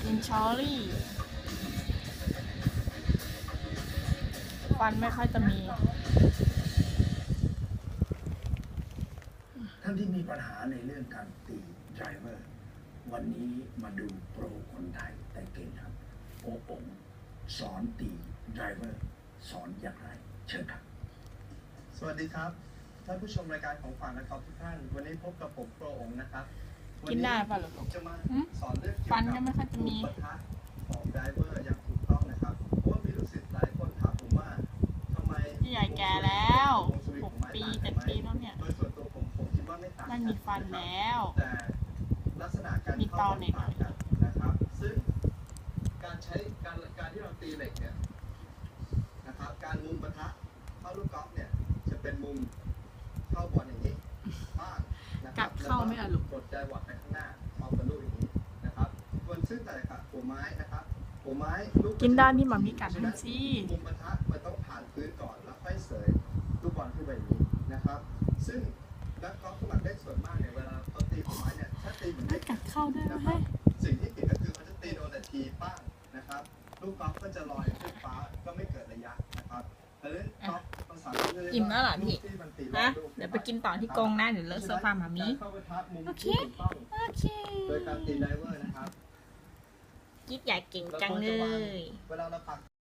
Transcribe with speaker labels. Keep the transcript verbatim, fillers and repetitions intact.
Speaker 1: กินชอรี่ฟันไม่ค่อยจะมี
Speaker 2: ท่านที่มีปัญหาในเรื่องการตีไดรเวอร์วันนี้มาดูโปรคนไทยแต่เก่งครับโอปงสอนตีไดรเวอร์สอนอย่างไรเชิญครับ
Speaker 3: สวัสดีครับท่านผู้ชมรายการของฝันและครับทุกท่านวันนี้พบกับผมโปรองนะครับ
Speaker 1: กินได้ป่ะหรอ
Speaker 3: ผมจะมาสอนเรื่องเกี่ยว
Speaker 1: ฟัน
Speaker 3: กับ
Speaker 1: ก็ไม่ค่อยจะมี
Speaker 3: ปะทะของไดรเวอร์อย่างถูกต้องนะครับเพราะว่ามีลูกศิษย์หลายคนถามผมว่าทำไม
Speaker 1: พี่ใหญ่แก่แล้วหกปีเจ็ดปีแล้วเนี่ย
Speaker 3: โดยส่วนตัวผมผมคิดว่าไม่ต่างกั
Speaker 1: ไม่มีฟันแล้ว
Speaker 3: แต่ลักษณะการ
Speaker 1: มีต
Speaker 3: เข้า
Speaker 1: อนหน่อย
Speaker 3: ต่างกันนะครับ ซึ่งการใช้การการที่เราตีเหล็กเนี่ยนะครับการมุมปะทะเข้าลูกกอล์ฟเนี่ยจะเป็นมุมเข้าบอลอย่างนี้บ้างนะครั
Speaker 1: กัดเข้าไม่อ่ะลูก
Speaker 3: กดใจหวัดไปข้างหน้าเอากระลูกอย่างนี้นะครับส่วนซึ่งแต่ละกับหัวไม้นะครับหัวไม้ลูก
Speaker 1: กินด้านที่หมามีกัดให้สิ
Speaker 3: มุมปะทะมันต้องผ่านพื้นก่อนแล้วค่อยเสยลูกบอลขึ้นไปอย่างนี้นะครับ ซึ่งนักกอล์ฟสมัครเล่นส่วนมากเนี่ยเวลาเขาตีหัวไม้เนี่ยถ้าตีเหมือน
Speaker 1: ไม่
Speaker 3: เด็ก
Speaker 1: กัดเข้าด้วย
Speaker 3: นะ
Speaker 1: นะ
Speaker 3: ครั
Speaker 1: เฮ้
Speaker 3: บ
Speaker 1: ย
Speaker 3: สิ่งที่ผิดก็คือเขาจะตีโดนแต่ทีป้างนะครับลูกกอล์ฟก็จะลอยขึ้นฟ้าก็ไม่เกิดระยะนะครับแต่เล่นกอล์ฟภาษาอังกฤษ
Speaker 1: อิ่มแล้วเหรอพี่
Speaker 3: กที่มันตี
Speaker 1: ฮะ
Speaker 3: ลูก
Speaker 1: เดี๋ยวไปกินต่อที่กรงนะเดี๋ยวเลอะโซฟาหมามี
Speaker 3: การเข้าปะทะมุม
Speaker 1: โอเค
Speaker 3: ที่ถูกต้อง
Speaker 1: โอเค
Speaker 3: โดยการตีไดเวอร์นะครับ
Speaker 1: กิ๊กใหญ่เก่งจังเลย
Speaker 3: เวลาเราปัก